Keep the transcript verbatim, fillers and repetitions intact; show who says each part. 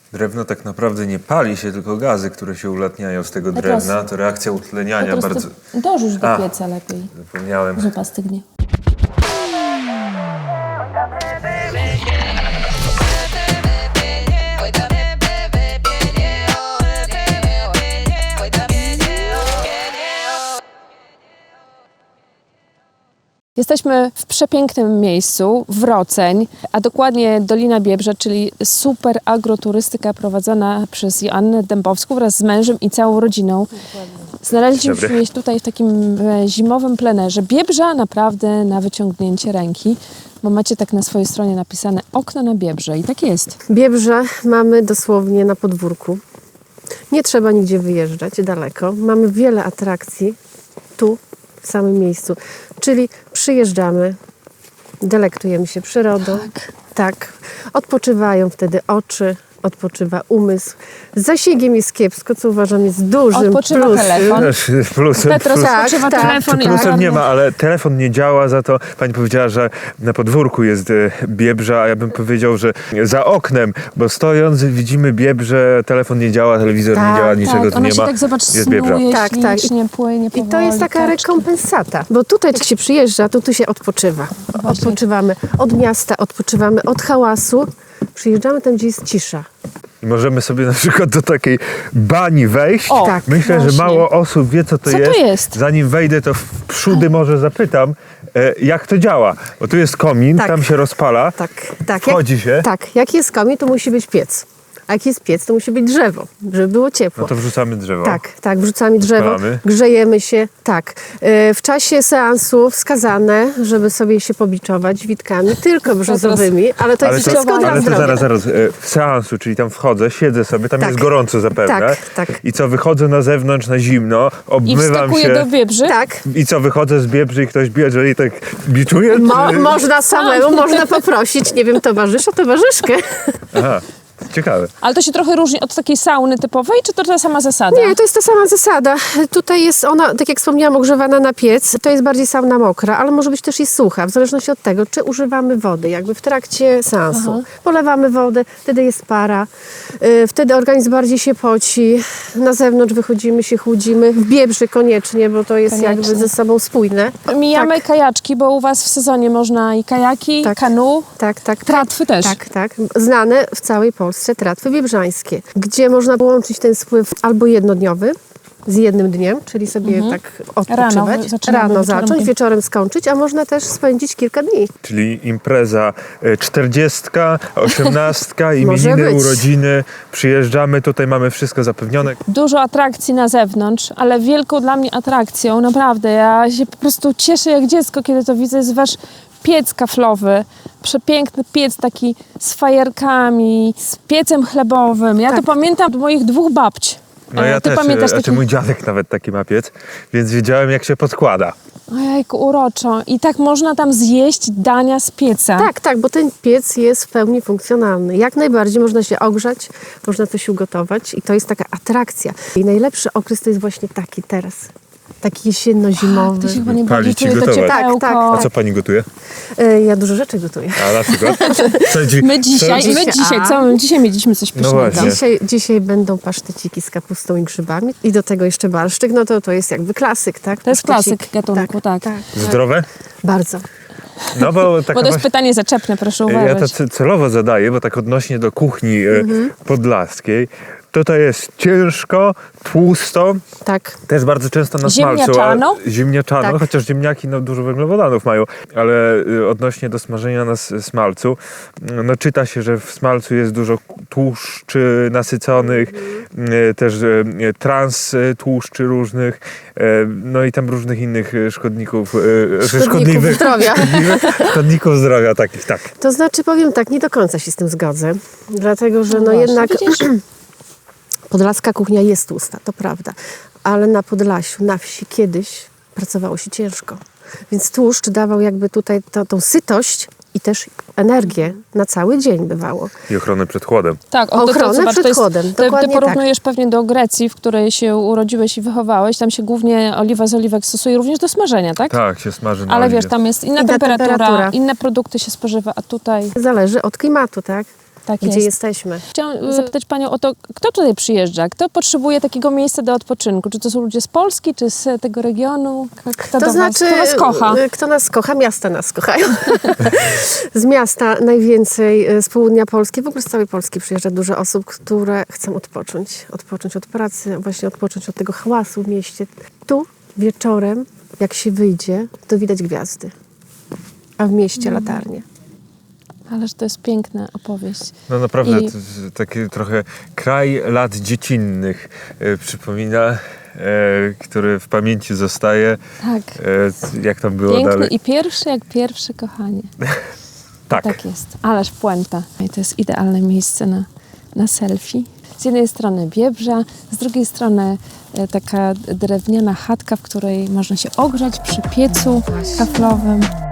Speaker 1: Drewno tak naprawdę nie pali się, tylko gazy, które się ulatniają z tego drewna. To reakcja utleniania
Speaker 2: Po
Speaker 1: bardzo...
Speaker 2: prostu dorzuć do
Speaker 1: A.
Speaker 2: pieca lepiej.
Speaker 1: Zapomniałem.
Speaker 2: Zupa stygnie. Jesteśmy w przepięknym miejscu, Wroceń, a dokładnie Dolina Biebrza, czyli super agroturystyka prowadzona przez Joannę Dębowską wraz z mężem i całą rodziną. Znaleźliśmy się tutaj w takim e, zimowym plenerze. Biebrza naprawdę na wyciągnięcie ręki, bo macie tak na swojej stronie napisane okno na Biebrze i tak jest.
Speaker 3: Biebrze mamy dosłownie na podwórku. Nie trzeba nigdzie wyjeżdżać daleko. Mamy wiele atrakcji tu, w samym miejscu. Czyli przyjeżdżamy, delektujemy się przyrodą. Tak. tak. Odpoczywają wtedy oczy, odpoczywa umysł. Z zasięgiem jest kiepsko, co uważam jest dużym
Speaker 2: Odpoczywa
Speaker 3: plusem.
Speaker 2: telefon.
Speaker 1: Plusem,
Speaker 2: Petros
Speaker 1: plus,
Speaker 2: odpoczywa
Speaker 3: tak,
Speaker 2: telefon
Speaker 1: Czy
Speaker 2: i
Speaker 1: plusem
Speaker 2: ogarnia.
Speaker 1: nie ma, ale telefon nie działa, za to pani powiedziała, że na podwórku jest e, Biebrza, a ja bym powiedział, że za oknem, bo stojąc widzimy Biebrze, telefon nie działa, telewizor
Speaker 3: Tak,
Speaker 1: nie działa, niczego
Speaker 2: Tak,
Speaker 1: tu
Speaker 2: ona
Speaker 1: nie
Speaker 2: się
Speaker 1: ma.
Speaker 2: tak, zobacz,
Speaker 1: jest Biebrza.
Speaker 2: snuje
Speaker 3: Tak, tak.
Speaker 2: ślicznie, płynie
Speaker 3: I
Speaker 2: powoli.
Speaker 3: to jest taka
Speaker 2: kaczki.
Speaker 3: rekompensata, bo tutaj jak się przyjeżdża, to tu się odpoczywa. Odpoczywamy od miasta, odpoczywamy od hałasu. Przyjeżdżamy tam, gdzie jest cisza.
Speaker 1: I możemy sobie na przykład do takiej bani wejść.
Speaker 2: O,
Speaker 3: tak,
Speaker 1: Myślę,
Speaker 2: właśnie.
Speaker 1: że mało osób wie, co to
Speaker 2: Co to
Speaker 1: jest.
Speaker 2: jest?
Speaker 1: Zanim wejdę, to w przódy może zapytam, e, jak to działa. Bo tu jest komin,
Speaker 3: Tak.
Speaker 1: tam się rozpala,
Speaker 3: Tak, tak.
Speaker 1: wchodzi
Speaker 3: jak,
Speaker 1: się.
Speaker 3: Tak, jak jest komin, to musi być piec. A jak jest piec, to musi być drzewo, żeby było ciepło.
Speaker 1: No to wrzucamy drzewo.
Speaker 3: Tak, tak, wrzucamy drzewo,
Speaker 1: Odpalamy.
Speaker 3: grzejemy się, tak. E, W czasie seansu wskazane, żeby sobie się pobiczować witkami, tylko brzozowymi, ale to
Speaker 1: Ale
Speaker 3: jest
Speaker 1: to,
Speaker 3: wszystko dla
Speaker 1: ale to
Speaker 3: zdrowia.
Speaker 1: zaraz, zaraz, e, w seansu, czyli tam wchodzę, siedzę sobie, tam
Speaker 3: Tak.
Speaker 1: jest gorąco zapewne.
Speaker 3: Tak, tak.
Speaker 1: I co, wychodzę na zewnątrz na zimno,
Speaker 2: I
Speaker 1: obmywam
Speaker 2: wskakuje
Speaker 1: się.
Speaker 2: do Biebrzy.
Speaker 3: Tak.
Speaker 1: I co, wychodzę z Biebrzy i ktoś bierze i tak biczuje?
Speaker 3: Mo,
Speaker 1: czy...
Speaker 3: można samemu, można poprosić, nie wiem, towarzysza, towarzyszkę.
Speaker 1: Aha, ciekawe.
Speaker 2: Ale to się trochę różni od takiej sauny typowej, czy to ta sama zasada?
Speaker 3: Nie, to jest ta sama zasada. Tutaj jest ona, tak jak wspomniałam, ogrzewana na piec. To jest bardziej sauna mokra, ale może być też i sucha, w zależności od tego, czy używamy wody, jakby w trakcie seansu.
Speaker 2: Aha.
Speaker 3: Polewamy wodę, wtedy jest para, yy, wtedy organizm bardziej się poci, na zewnątrz wychodzimy, się chłudzimy, w Biebrzy koniecznie, bo to jest
Speaker 2: Koniecznie.
Speaker 3: jakby ze sobą spójne.
Speaker 2: Mijamy
Speaker 3: tak,
Speaker 2: kajaczki, bo u was w sezonie można i kajaki,
Speaker 3: Tak.
Speaker 2: kanu,
Speaker 3: tak, tak.
Speaker 2: tratwy też.
Speaker 3: Tak, tak. Znane w całej Polsce tratwy biebrzańskie, gdzie można połączyć ten spływ albo jednodniowy z jednym dniem, czyli sobie tak odpoczywać,
Speaker 2: Rano zaczynamy,
Speaker 3: rano
Speaker 2: wieczorem
Speaker 3: zacząć,
Speaker 2: dni.
Speaker 3: wieczorem skończyć, a można też spędzić kilka dni.
Speaker 1: Czyli impreza e, czterdziestka, osiemnastka,
Speaker 3: Może
Speaker 1: imieniny,
Speaker 3: być.
Speaker 1: urodziny. Przyjeżdżamy, tutaj mamy wszystko zapewnione.
Speaker 2: Dużo atrakcji na zewnątrz, ale wielką dla mnie atrakcją, naprawdę, ja się po prostu cieszę jak dziecko, kiedy to widzę, jest wasz piec kaflowy. Przepiękny piec taki z fajerkami, z piecem chlebowym. Ja
Speaker 3: Tak.
Speaker 2: to pamiętam od moich dwóch babci.
Speaker 1: No
Speaker 2: E,
Speaker 1: ja
Speaker 2: Ty
Speaker 1: też,
Speaker 2: pamiętasz
Speaker 1: e,
Speaker 2: taki...
Speaker 1: znaczy mój dziadek nawet taki ma piec, więc wiedziałem, jak się podkłada.
Speaker 2: Ojejku, uroczo. I tak można tam zjeść dania z pieca.
Speaker 3: Tak, tak, bo ten piec jest w pełni funkcjonalny. Jak najbardziej można się ogrzać, można coś ugotować i to jest taka atrakcja. I najlepszy okres to jest właśnie taki teraz. Taki jesienno-zimowy.
Speaker 2: To się chyba nie
Speaker 1: Palić
Speaker 2: bardziej
Speaker 1: i
Speaker 2: czuje to
Speaker 1: gotować.
Speaker 2: ciepełko.
Speaker 3: Tak,
Speaker 1: A
Speaker 3: tak.
Speaker 1: co pani gotuje?
Speaker 3: E, Ja dużo rzeczy gotuję.
Speaker 1: A na przykład? Co dzi-
Speaker 2: My dzisiaj,
Speaker 1: co-
Speaker 2: my
Speaker 3: Dzisiaj-
Speaker 2: dzisiaj,
Speaker 3: a?
Speaker 2: co? My dzisiaj mieliśmy coś pysznego.
Speaker 1: właśnie.
Speaker 3: Dzisiaj, dzisiaj będą paszteciki z kapustą i grzybami i do tego jeszcze barszczyk, no to to jest jakby klasyk, tak?
Speaker 2: To jest
Speaker 3: Pasztecik.
Speaker 2: klasyk gatunku, tak.
Speaker 3: tak.
Speaker 1: Zdrowe?
Speaker 3: Bardzo.
Speaker 1: No bo taka
Speaker 2: Bo to jest
Speaker 1: właśnie-
Speaker 2: pytanie zaczepne, proszę
Speaker 1: Ja to
Speaker 2: uważać.
Speaker 1: ce- celowo zadaję, bo tak odnośnie do kuchni e, podlaskiej. Tutaj jest ciężko, tłusto,
Speaker 3: Tak.
Speaker 1: też bardzo często na smalcu.
Speaker 2: Ziemniaczano?
Speaker 1: a- Ziemniaczano,
Speaker 3: Tak.
Speaker 1: chociaż ziemniaki no, dużo węglowodanów mają, ale y, odnośnie do smażenia na s- smalcu, no czyta się, że w smalcu jest dużo tłuszczy nasyconych, y, też y, trans y, tłuszczy różnych, y, no i tam różnych innych y, szkodników, y,
Speaker 3: Szkodników zdrowia.
Speaker 1: szkodliwych, szkodników zdrowia takich, tak.
Speaker 3: To znaczy, powiem tak, nie do końca się z tym zgodzę, dlatego że no,
Speaker 2: właśnie,
Speaker 3: jednak
Speaker 2: widzisz?
Speaker 3: podlaska kuchnia jest tłusta, to prawda, ale na Podlasiu, na wsi kiedyś pracowało się ciężko, więc tłuszcz dawał jakby tutaj to, tą sytość i też energię na cały dzień bywało.
Speaker 1: I ochronę przed chłodem.
Speaker 2: Tak, o, to, to,
Speaker 3: Ochronę
Speaker 2: zobacz,
Speaker 3: przed
Speaker 2: to jest,
Speaker 3: chłodem,
Speaker 2: ty, ty
Speaker 3: dokładnie
Speaker 2: porównujesz pewnie do Grecji, w której się urodziłeś i wychowałeś. Tam się głównie oliwa z oliwek stosuje również do smażenia, tak?
Speaker 1: Tak, się smaży na
Speaker 2: Ale
Speaker 1: oliwie.
Speaker 2: wiesz, tam jest inna
Speaker 3: Inna
Speaker 2: temperatura,
Speaker 3: temperatura.
Speaker 2: inne produkty się spożywa, a tutaj...
Speaker 3: Zależy od klimatu, tak?
Speaker 2: Tak
Speaker 3: gdzie
Speaker 2: jest.
Speaker 3: jesteśmy.
Speaker 2: Chciałam zapytać Panią o to, kto tutaj przyjeżdża? Kto potrzebuje takiego miejsca do odpoczynku? Czy to są ludzie z Polski, czy z tego regionu? K- Kto
Speaker 3: To
Speaker 2: do
Speaker 3: znaczy,
Speaker 2: was, kto was kocha?
Speaker 3: y, Kto nas kocha? Miasta nas kochają. Z miasta najwięcej, y, z południa Polski, w ogóle z całej Polski przyjeżdża dużo osób, które chcą odpocząć. Odpocząć od pracy, właśnie odpocząć od tego hałasu w mieście. Tu wieczorem, jak się wyjdzie, to widać gwiazdy, a w mieście
Speaker 2: Mhm.
Speaker 3: latarnie.
Speaker 2: Ależ to jest piękna opowieść.
Speaker 1: No naprawdę,
Speaker 2: I-
Speaker 1: to jest taki trochę kraj lat dziecinnych e, przypomina, e, który w pamięci zostaje.
Speaker 2: Tak.
Speaker 1: E, jak tam było
Speaker 2: Piękny
Speaker 1: dalej?
Speaker 2: i pierwszy jak pierwsze kochanie.
Speaker 1: Tak.
Speaker 2: Tak jest. Ależ puenta. I to jest idealne miejsce na, na selfie. Z jednej strony Biebrza, z drugiej strony e, taka drewniana chatka, w której można się ogrzać przy piecu kaflowym.